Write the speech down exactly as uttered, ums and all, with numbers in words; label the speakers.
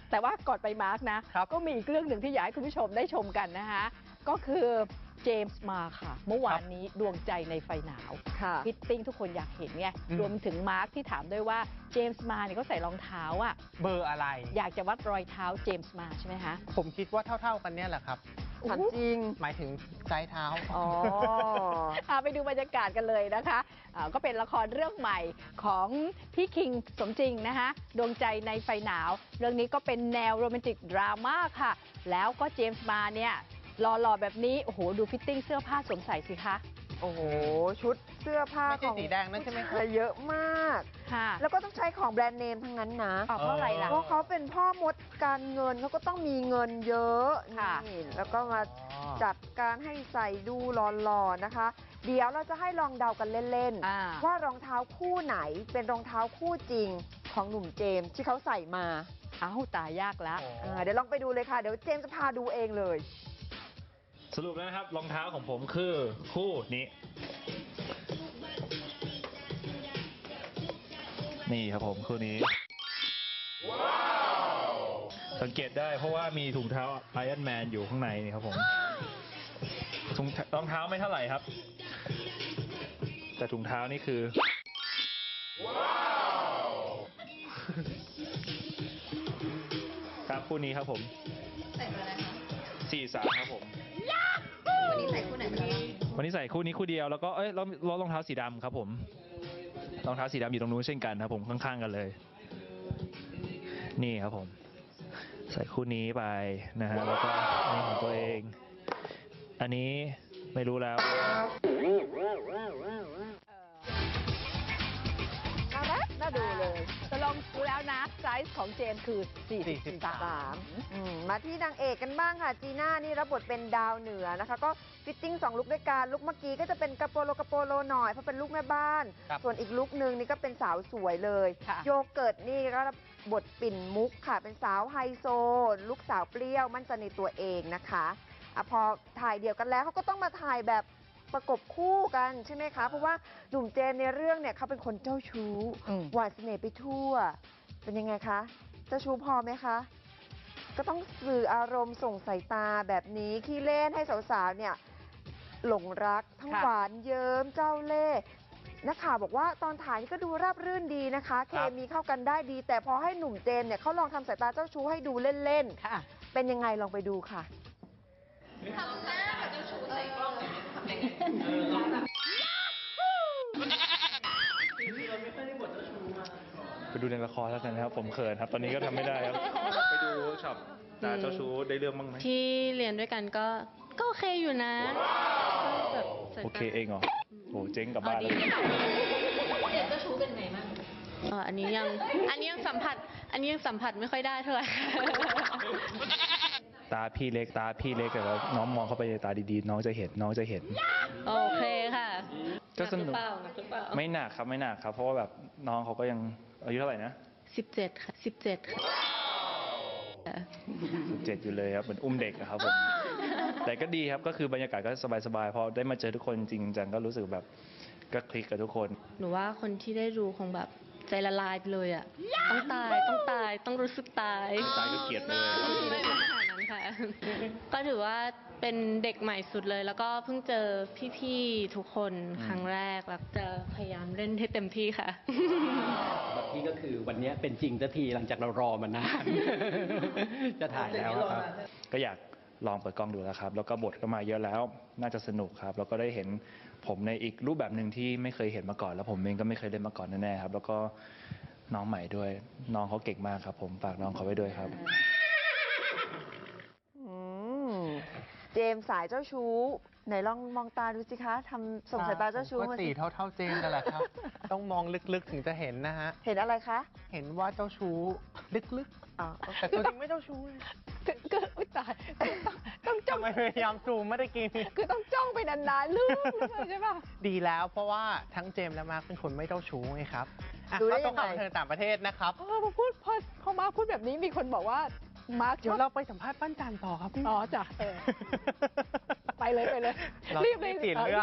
Speaker 1: แต่ว่าก่อนไปมาร์กนะก็มีอีกเรื่องหนึ่งที่อยากให้คุณผู้ชมได้ชมกันนะคะก็คือเจมส์มาค่ะเมื่อวานนี้ดวงใจในไฟหนาวฟิตติ้งทุกคนอยากเห็นไงรวมถึงมาร์กที่ถามด้วยว่าเจมส์มาเนี่ยเขาใส่รองเท้าอะ
Speaker 2: เบอร์อะไร
Speaker 1: อยากจะวัดรอยเท้าเจมส์มาใช่ไหมคะ
Speaker 2: ผมคิดว่าเท่าๆกันเนี่ยแหละครับ
Speaker 1: ถามจริง
Speaker 2: หมายถึงไซส์เท้า
Speaker 1: อ๋อไปดูบรรยากาศกันเลยนะคะก็เป็นละครเรื่องใหม่ของพี่คิงสมจริงนะคะดวงใจในไฟหนาวเรื่องนี้ก็เป็นแนวโรแมนติกดราม่าค่ะแล้วก็เจมส์มาเนี่ยหล่อๆแบบนี้โอ้โหดูฟิตติ้งเสื้อผ้าสวมใส่สิคะ
Speaker 3: โอ้โหชุดเสื้อผ้าของ
Speaker 2: สีแดงนั่นใช่ไหมคะ
Speaker 3: เยอะมาก
Speaker 1: ค่ะ
Speaker 3: แล้วก็ต้องใช้ของแบรนด์เนมทั้งนั้นนะ
Speaker 1: เพราะอะไรล่ะ
Speaker 3: เพราะเขาเป็นพ่อมดการเงินเขาก็ต้องมีเงินเยอะนี่แล้วก็มาจัดการให้ใส่ดูหล่อๆนะคะเดี๋ยวเราจะให้ลองเดากันเล่นๆว่ารองเท้าคู่ไหนเป็นรองเท้าคู่จริงของหนุ่มเจมส์ที่เขาใส่มา
Speaker 1: อ้าวตายยากแล้ว
Speaker 3: เดี๋ยวลองไปดูเลยค่ะเดี๋ยวเจมส์จะพาดูเองเลย
Speaker 4: สรุปแล้วนะครับรองเท้าของผมคือคู่นี้นี่ครับผมคู่นี้สังเกตได้เพราะว่ามีถุงเท้าไอรอนแมนอยู่ข้างในนี่ครับผมถุงรองเท้าไม่เท่าไหร่ครับแต่ถุงเท้านี่คือครับคู่นี้ครับผมใส่มาอะไรคะสี่สามครับผม
Speaker 5: วันนี้ใส่คู่ไหนมาแล้ว
Speaker 4: วันนี้ใส่คู่นี้คู่เดียวแล้วก็เอ้ยรองรองเท้าสีดำครับผมรองเท้าสีดำอยู่ตรงนู้นเช่นกันครับผมข้างๆกันเลยนี่ครับผมใส่คู่นี้ไปนะฮะแล้วก็นี่ของตัวเองอันนี้ไม่รู้แล้ว
Speaker 1: น่ารักน่าดูเลยจะลองดูแล้วนะไซส์ของเจมส์คือสี่สิบสาม
Speaker 3: มาที่นางเอกกันบ้างค่ะจีน่านี่รับบทเป็นดาวเหนือนะคะก็ฟิตติ้งสองลุคด้วยกันลุคเมื่อกี้ก็จะเป็นกระโปโลกระโปโลหน่อยเพราะเป็นลูกแม่บ้านส่วนอีกลุคนึงนี่ก็เป็นสาวสวยเลยโยเกิร์ตนี่ก็บทปิ่นมุกค่ะเป็นสาวไฮโซลูกสาวเปรี้ยวมั่นใจในตัวเองนะคะอะพอถ่ายเดี่ยวกันแล้วเขาก็ต้องมาถ่ายแบบประกบคู่กันใช่ไหมคะเพราะว่าหนุ่มเจมในเรื่องเนี่ยเขาเป็นคนเจ้าชู้หวานเสน่ห์ไปทั่วเป็นยังไงคะเจ้าชู้พอไหมคะก็ต้องสื่ออารมณ์ส่งสายตาแบบนี้ขี้เล่นให้สาวๆเนี่ยหลงรักทั้งหวานเยิ้มเจ้าเล่ห์นักข่าวบอกว่าตอนถ่ายนี่ก็ดูราบรื่นดีนะคะเคมีเข้ากันได้ดีแต่พอให้หนุ่มเจมเนี่ยเขาลองทำสายตาเจ้าชู้ให้ดูเล่นๆเป็นยังไงลองไปดูค่ะ
Speaker 5: ทำหน้าแบบเจ้าชู้ใส่กล้องแบบนี้ทำยังไง
Speaker 4: ไปดูในละครแล้วกันนะครับผมเขินครับตอนนี้ก็ทำไม่ได้ครับไปดูเวิร์กช็อปตาเจ้าชู้ได้เรื่องบ้างไหม
Speaker 5: ที่เรียนด้วยกันก็ก็โอเคอยู่นะ
Speaker 4: โอเคเองเหรอโอ้เจ๊งกับบ้านเลย
Speaker 5: เจมส์เจ้าชู้เป็นไงบ้างอ๋ออันนี้ยังอันนี้ยังสัมผัสอันนี้ยังสัมผัสไม่ค่อยได้เท่าไหร่
Speaker 4: ตาพี่เล็กตาพี่เล็กแต่ว่าน้องมองเข้าไปในตาดีๆน้องจะเห็นน้องจะเห็น
Speaker 5: โอเคค่ะ
Speaker 4: ก็สนุกไม่หนักครับไม่หนักครับเพราะว่าแบบน้องเขาก็ยังอายุเท่าไหร่นะ
Speaker 5: สิบเจ็ดค่ะสิบเจ็ดค่ะ
Speaker 4: สิบเจ็ดอยู่เลยครับเหมือนอุ้มเด็กนะครับผมแต่ก็ดีครับก็คือบรรยากาศก็สบายๆพอได้มาเจอทุกคนจริงจังก็รู้สึกแบบก็คลิกกับทุกคน
Speaker 5: หนูว่าคนที่ได้ดูคงแบบใจละลายไปเลยอ่ะต้องตายต้องตายต้องรู้สึกตาย
Speaker 4: ตายก็เกลียดเลย
Speaker 5: ไม่ขนาดนั้นค่ะก็ถือว่าเป็นเด็กใหม่สุดเลยแล้วก็เพิ่งเจอพี่ๆทุกคนครั้งแรกแล้วจะพยายามเล่นให้เต็มที่ค่ะ
Speaker 6: บักกี้ก็คือวันนี้เป็นจริงสักทีหลังจากเรารอมานานจะถ่ายแล้วครับ
Speaker 4: ก็อยากลองเปิดกล้องดูแล้วครับแล้วก็บทก็มาเยอะแล้วน่าจะสนุกครับแล้วก็ได้เห็นผมในอีกรูปแบบหนึ่งที่ไม่เคยเห็นมาก่อนแล้วผมเองก็ไม่เคยเล่นมาก่อนแน่ๆครับแล้วก็น้องใหม่ด้วยน้องเขาเก่งมากครับผมฝากน้องเขาไว้ด้วยครับ
Speaker 3: เจมส์สายเจ้าชู้ไหนลองมองตาดูสิคะทำส่งสายตาเจ้าชู้
Speaker 2: มาสีเท่าเท่าเจมส์กันแหละครับต้องมองลึกๆถึงจะเห็นนะฮะ
Speaker 3: เห็นอะไรคะ
Speaker 2: เห็นว่าเจ้าชู้ลึกๆแต่ตัวจริงไม่เจ้าชู้
Speaker 1: ก็อุ้ยตายต้องจ้อง
Speaker 2: พยายามซูมไม่ได้กิน
Speaker 1: คือต้องจ้องไปนานๆลึกใช่ป่ะ
Speaker 2: ดีแล้วเพราะว่าทั้งเจมส์และมาร์คเป็นคนไม่เจ้าชู้ไงครับดูได้ยังไงเธอต่างประเทศนะครับ
Speaker 1: พอพูดพอพอมาพูดแบบนี้มีคนบอกว่ามาร์ค
Speaker 2: เดี๋ยวเราไปสัมภาษณ์ปั้นจันต่อครับพี่
Speaker 1: อ๋อจ้ะไปเลยไปเลย
Speaker 2: รีบเลย